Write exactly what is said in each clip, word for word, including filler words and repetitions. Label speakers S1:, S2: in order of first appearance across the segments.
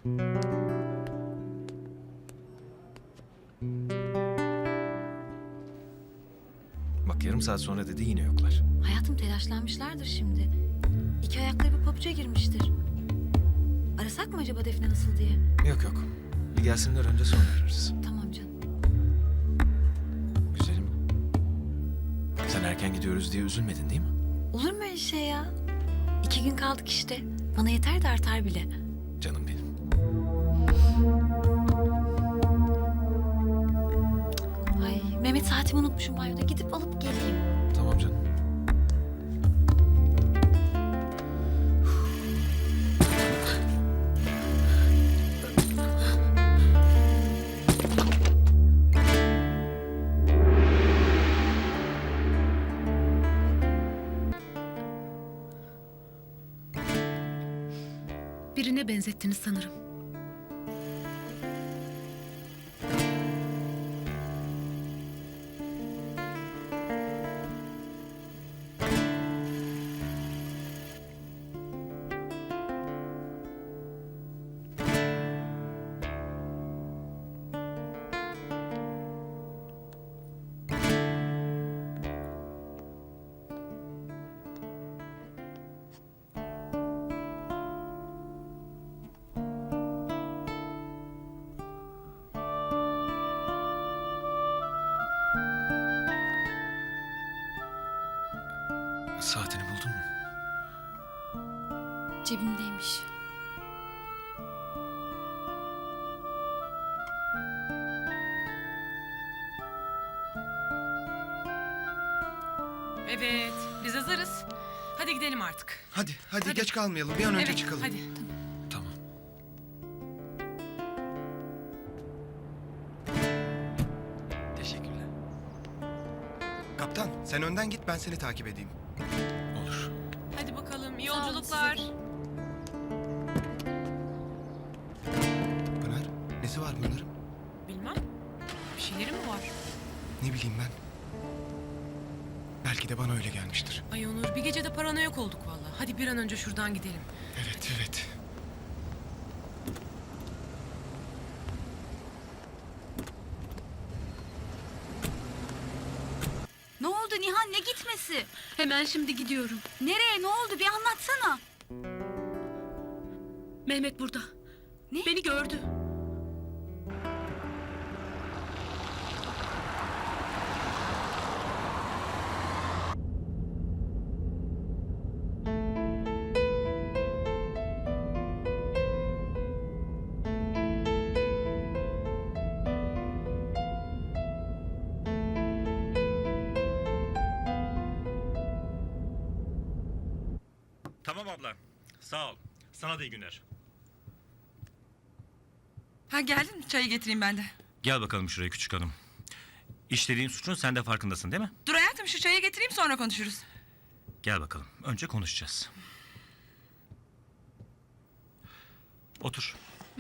S1: Bak yarım saat sonra dedi yine yoklar.
S2: Hayatım telaşlanmışlardır şimdi. İki ayakları bir pabuca girmiştir. Arasak mı acaba Defne nasıl diye?
S1: Yok yok. Bir gelsinler önce sonra ararız.
S2: Tamam canım.
S1: Güzelim. Sen erken gidiyoruz diye üzülmedin değil mi?
S2: Olur mu öyle şey ya? İki gün kaldık işte. Bana yeter de artar bile.
S1: Canım benim.
S2: Ay Mehmet saatimi unutmuşum banyoda. Gidip alıp geleyim.
S1: Tamam canım.
S3: Birine benzettiniz sanırım.
S1: Saatini buldun mu?
S2: Cebimdeymiş.
S4: Evet, biz hazırız. Hadi gidelim artık.
S5: Hadi, hadi,
S4: Hadi.
S5: geç kalmayalım. Bir an önce
S4: Evet,
S5: çıkalım.
S4: hadi.
S1: Tamam.
S5: Teşekkürler. Kaptan, sen önden git, ben seni takip edeyim.
S1: Olur.
S4: Hadi bakalım, iyi
S2: Sağ olun,
S4: yolculuklar.
S2: size de.
S5: Pınar, nesi var Pınar'ın?
S4: Bilmem, bir şeyleri mi var?
S5: Ne bileyim ben. Belki de bana öyle gelmiştir.
S4: Ay Onur, bir gecede paranoyak olduk vallahi. Hadi bir an önce şuradan gidelim.
S5: Evet, evet.
S6: Ne oldu Nihan, ne gitmesi?
S3: Hemen şimdi gidiyorum.
S6: Nereye, ne oldu bir anlatsana.
S3: Mehmet burada.
S6: Ne?
S3: Beni gördü.
S7: Tamam abla. Sağ ol. Sana da iyi günler.
S8: Ha geldin mi? Çayı getireyim ben de.
S7: Gel bakalım şuraya küçük hanım. İşlediğin suçun sen de farkındasın değil mi?
S8: Dur hayatım şu çayı getireyim sonra konuşuruz.
S7: Gel bakalım. Önce konuşacağız. Otur.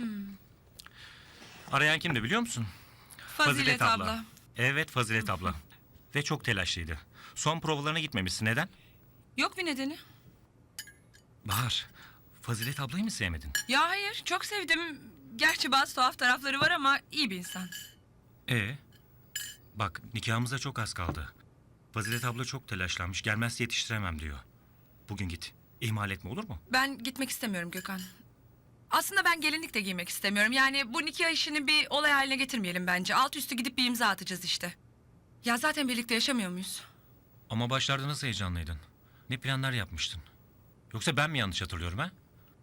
S7: Arayan kimdi biliyor musun?
S8: Fazilet, abla.
S7: Evet Fazilet abla. Ve çok telaşlıydı. Son provalarına gitmemişsin. Neden?
S8: Yok bir nedeni.
S7: Bahar, Fazilet ablayı mı sevmedin?
S8: Ya hayır çok sevdim. Gerçi bazı tuhaf tarafları var ama iyi bir insan.
S7: Ee, bak nikahımıza çok az kaldı. Fazilet abla çok telaşlanmış. Gelmezse yetiştiremem diyor. Bugün git. İhmal etme olur mu?
S8: Ben gitmek istemiyorum Gökhan. Aslında ben gelinlik de giymek istemiyorum. Yani bu nikah işini bir olay haline getirmeyelim bence. Alt üstü gidip bir imza atacağız işte. Ya zaten birlikte yaşamıyor muyuz?
S7: Ama başlarda nasıl heyecanlıydın? Ne planlar yapmıştın? Yoksa ben mi yanlış hatırlıyorum ha?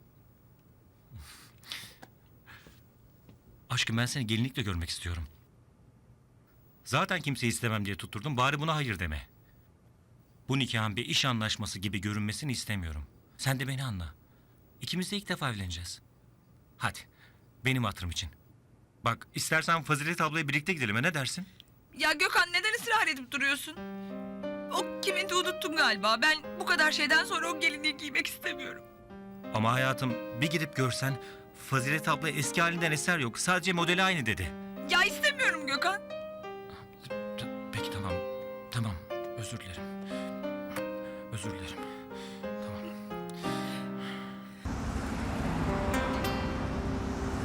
S7: Aşkım ben seni gelinlikle görmek istiyorum. Zaten kimseyi istemem diye tutturdum. Bari buna hayır deme. Bu nikahın bir iş anlaşması gibi görünmesini istemiyorum. Sen de beni anla. İkimiz de ilk defa evleneceğiz. Hadi. Benim hatırım için. Bak istersen Fazilet ablayla birlikte gidelim. ha, Ne dersin?
S8: Ya Gökhan neden ısrar edip duruyorsun? O kiminti unuttum galiba. Ben bu kadar şeyden sonra o gelinliği giymek istemiyorum.
S7: Ama hayatım bir gidip görsen Fazilet abla eski halinden eser yok. Sadece modeli aynı dedi.
S8: Ya istemiyorum Gökhan.
S7: Peki tamam. Tamam. Özür dilerim. Özür dilerim. Tamam.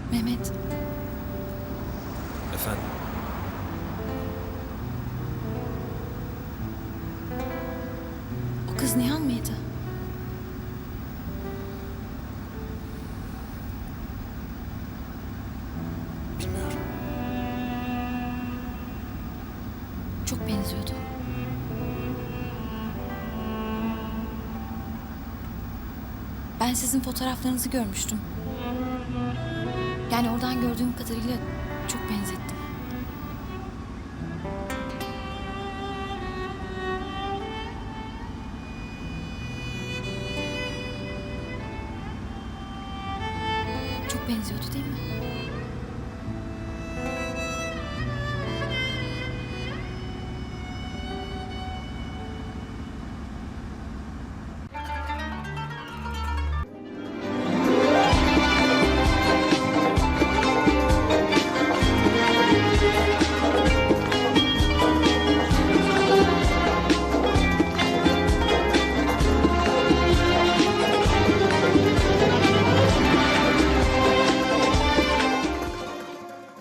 S2: Mehmet,
S1: Efendim?
S2: o kız Nihan mıydı?
S1: Bilmiyorum.
S2: Çok benziyordu. Ben sizin fotoğraflarınızı görmüştüm. Yani oradan gördüğüm kadarıyla çok benzettim. Çok benziyordu değil mi?